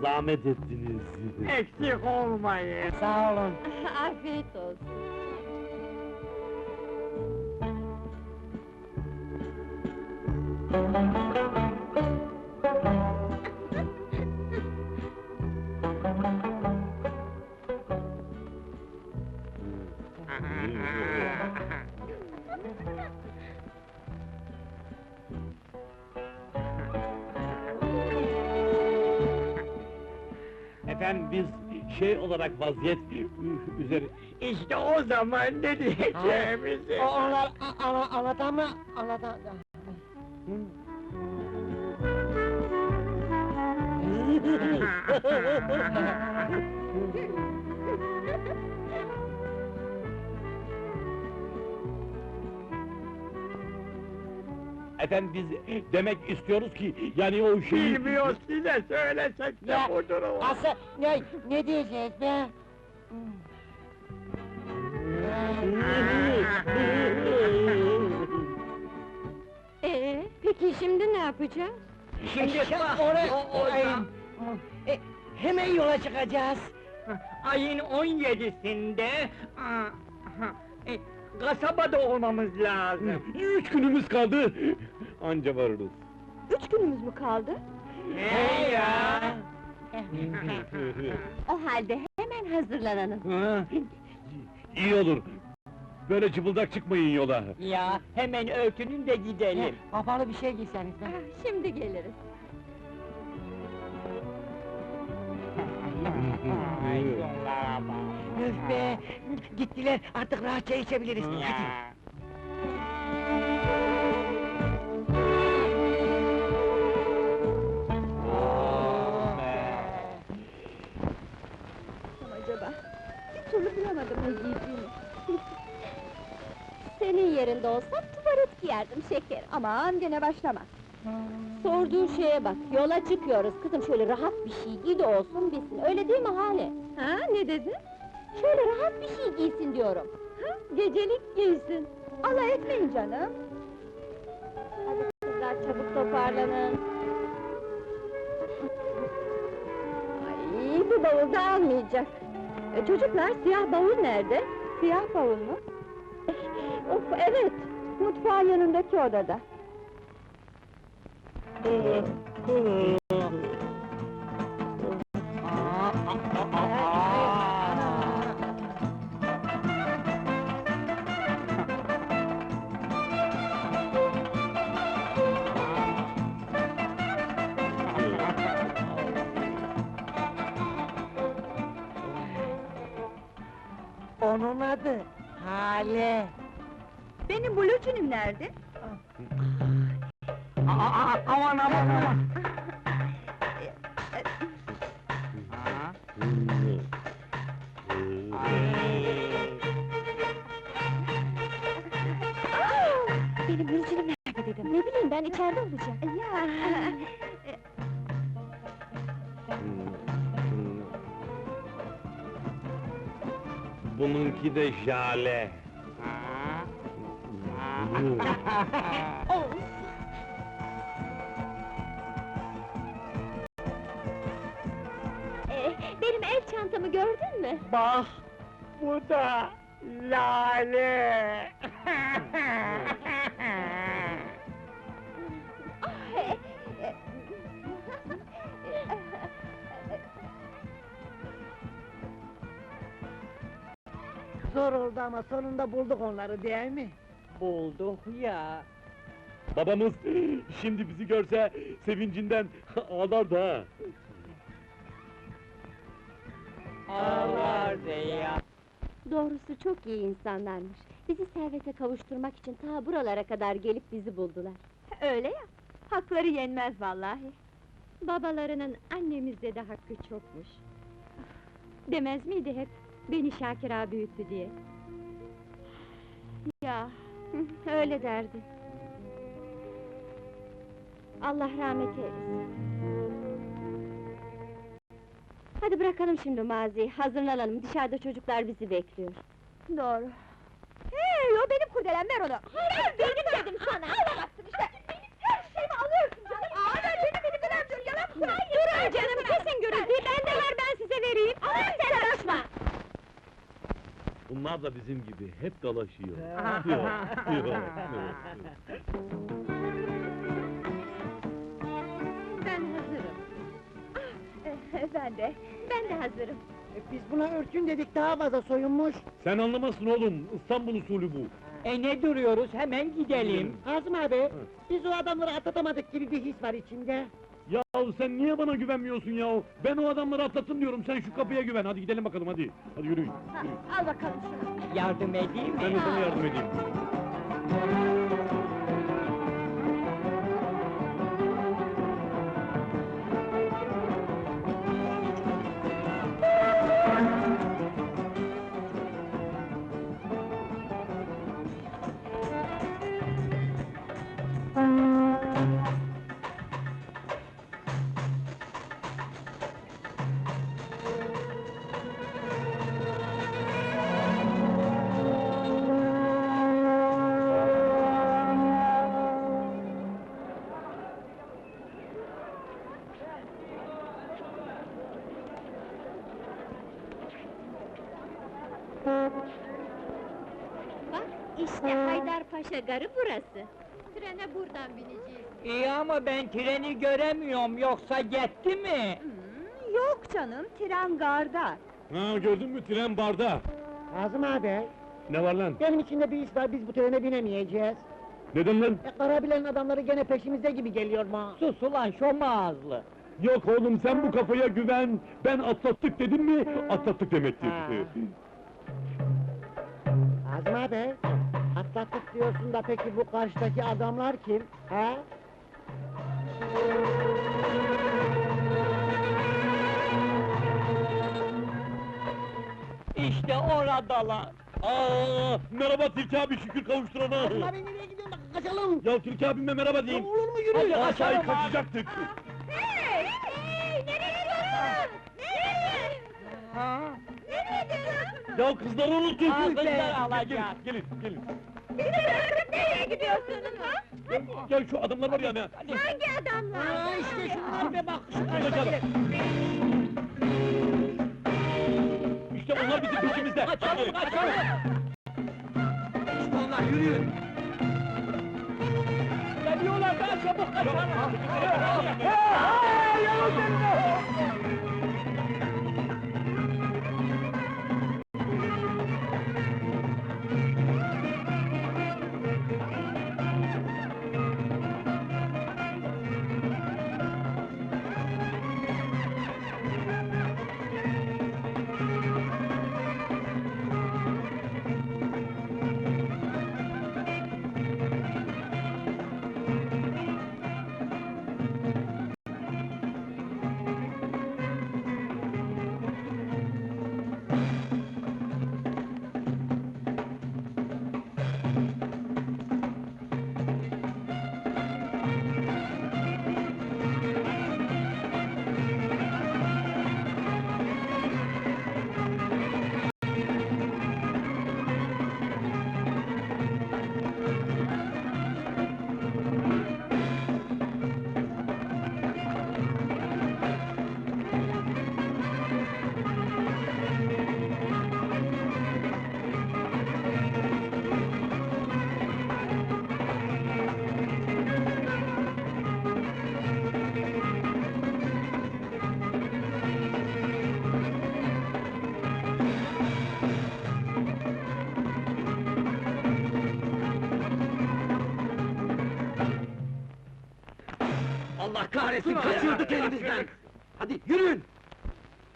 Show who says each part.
Speaker 1: zahmet ettiniz.
Speaker 2: Eksik olmayın.
Speaker 3: Sağ olun.
Speaker 4: Afiyet olsun.
Speaker 1: Efendim biz şey olarak vaziyet üzeri...
Speaker 2: İşte o zaman ne diyeceğimizi...
Speaker 3: Onlar anlatan mı? Anlatan...
Speaker 1: Efendim biz demek istiyoruz ki yani o şeyi...
Speaker 2: Bilmiyoruz, size söylesek de
Speaker 3: Ya,
Speaker 2: budur o.
Speaker 3: Asıl ne diyeceğiz be?
Speaker 4: Peki şimdi ne yapacağız?
Speaker 2: Şimdi
Speaker 3: Hemen yola çıkacağız.
Speaker 2: ayın 17'sinde... kasabada olmamız lazım.
Speaker 1: 3 günümüz kaldı. Anca varırız.
Speaker 4: 3 günümüz mü kaldı?
Speaker 2: Ne ya?
Speaker 4: O halde hemen hazırlanalım.
Speaker 1: Ha, İyi olur. Böyle cıbıldak çıkmayın yola.
Speaker 2: Ya, hemen örtünün de gidelim.
Speaker 3: Kapalı bir şey giyseniz be.
Speaker 4: Şimdi geliriz.
Speaker 2: Ay, şunlara bak.
Speaker 3: Öf be! Gittiler, artık rahatça içebiliriz. Hadi.
Speaker 2: Ya.
Speaker 4: Acaba? Bir türlü bulamadım ne giydiğimi. Senin yerinde olsam tuvalet giyerdim şeker. Aman gene başlama. Sorduğun şeye bak, yola çıkıyoruz kızım, şöyle rahat bir şey giy de olsun bilsin, öyle değil mi Hale? Ha, ne dedin? Şöyle rahat bir şey giysin diyorum. Ha, gecelik giysin. Alay etmeyin canım. Hadi kızlar, çabuk toparlanın. Ay, bu bavul da almayacak. Çocuklar, siyah bavul nerede? Siyah bavul mu? Of, evet, mutfağın yanındaki odada.
Speaker 3: Onun adı Hale.
Speaker 4: Benim blucinim nerede?
Speaker 2: Aman aman!
Speaker 4: Benim blucinim nerede dedim? Ne bileyim ben, içeride olacak. Ya.
Speaker 1: Bununki de Jale.
Speaker 4: Benim el çantamı gördün mü?
Speaker 2: Bak, bu da Lale!
Speaker 3: Zor oldu ama sonunda bulduk onları değil mi?
Speaker 2: Bulduk ya!
Speaker 1: Babamız şimdi bizi görse sevincinden ağlardı ha.
Speaker 2: Ağlardı ya!
Speaker 4: Doğrusu çok iyi insanlarmış. Bizi servete kavuşturmak için ta buralara kadar gelip bizi buldular. Öyle ya, hakları yenmez vallahi. Babalarının annemizde de hakkı çokmuş. Demez miydi hep, beni Şakir ağa büyüttü diye? Ya, öyle derdi. Allah rahmet eylesin. Hadi bırakalım şimdi maziyi, hazırlanalım, dışarıda çocuklar bizi bekliyor. Doğru. Hey, o benim kurdelem, ver onu! Hayır, benim dedim sana! Alamazsın işte! Benim her şeyimi alıyorsun canım! Ver benim elimden, dur, yalan söylüyorsun! Durun canım, kesin gürültüyü,
Speaker 1: Bunlar da bizim gibi, hep dalaşıyor.
Speaker 2: Ah.
Speaker 1: Yok.
Speaker 4: Ben hazırım. Ben de hazırım.
Speaker 3: Biz buna örtün dedik, daha fazla soyunmuş.
Speaker 1: Sen anlamazsın oğlum, İstanbul usulü bu.
Speaker 2: Ne duruyoruz, hemen gidelim.
Speaker 3: Azım abi, biz o adamları atlatamadık gibi bir his var içimde.
Speaker 1: Yahu sen niye bana güvenmiyorsun yahu? Ben o adamları atlattım diyorum, sen şu kapıya güven. Hadi gidelim bakalım, hadi. Hadi yürüyün.
Speaker 4: Ha, al bakalım şunu.
Speaker 2: Yardım edeyim
Speaker 1: Ben
Speaker 2: mi?
Speaker 1: de sana yardım edeyim.
Speaker 4: Bak, işte Haydarpaşa Garı burası. Trene buradan bineceğiz.
Speaker 2: İyi ama ben treni göremiyorum, yoksa gitti mi?
Speaker 4: Yok canım, tren garda.
Speaker 1: Ha, gördün mü, tren barda.
Speaker 3: Azım abi,
Speaker 1: Ne var lan?
Speaker 3: benim içimde bir his var, biz bu trene binemeyeceğiz.
Speaker 1: Neden lan?
Speaker 3: Karabilen adamları gene peşimizde gibi geliyor ma.
Speaker 2: Sus ulan şom ağızlı!
Speaker 1: Yok oğlum, sen bu kafaya güven. Ben atlattık dedim mi, atlattık demektir.
Speaker 3: Ha. Azım abi, atlattık diyorsun da peki bu karşıdaki adamlar kim? He?
Speaker 2: İşte oradalar!
Speaker 1: Merhaba Tilki abi, şükür kavuşturana.
Speaker 3: Azım abi nereye gidiyorsun? Kaçalım!
Speaker 1: Ya Tilki abime merhaba
Speaker 3: Ya
Speaker 1: diyeyim.
Speaker 3: olur mu yürü?
Speaker 2: Hadi,
Speaker 1: Aşağıya
Speaker 2: kaçalım abi.
Speaker 1: kaçacaktık.
Speaker 4: Hey! Hey! Nereye gidiyorsun? Nereye?
Speaker 2: Ha?
Speaker 4: Nereye gidiyorsun?
Speaker 1: Ya kızları unuttuk.
Speaker 2: Aa, kızlar
Speaker 1: Gelin,
Speaker 2: alacak.
Speaker 1: Gelin, gelin.
Speaker 4: Nereye gidiyorsunuz ha?
Speaker 1: Ya şu adamlar var ya.
Speaker 4: Hangi adamlar?
Speaker 3: Aa işte şunlar be bak, şu
Speaker 1: Kaçalım.
Speaker 3: karşıdaki.
Speaker 1: İşte onlar bizim peşimizde.
Speaker 2: Kaçalım, kaçalım!
Speaker 3: İşte onlar, yürüyün!
Speaker 2: Geliyorlar, daha çabuk kaçalım!
Speaker 3: Allah kahretsin, kaçıyorduk elimizden! Hadi yürüyün!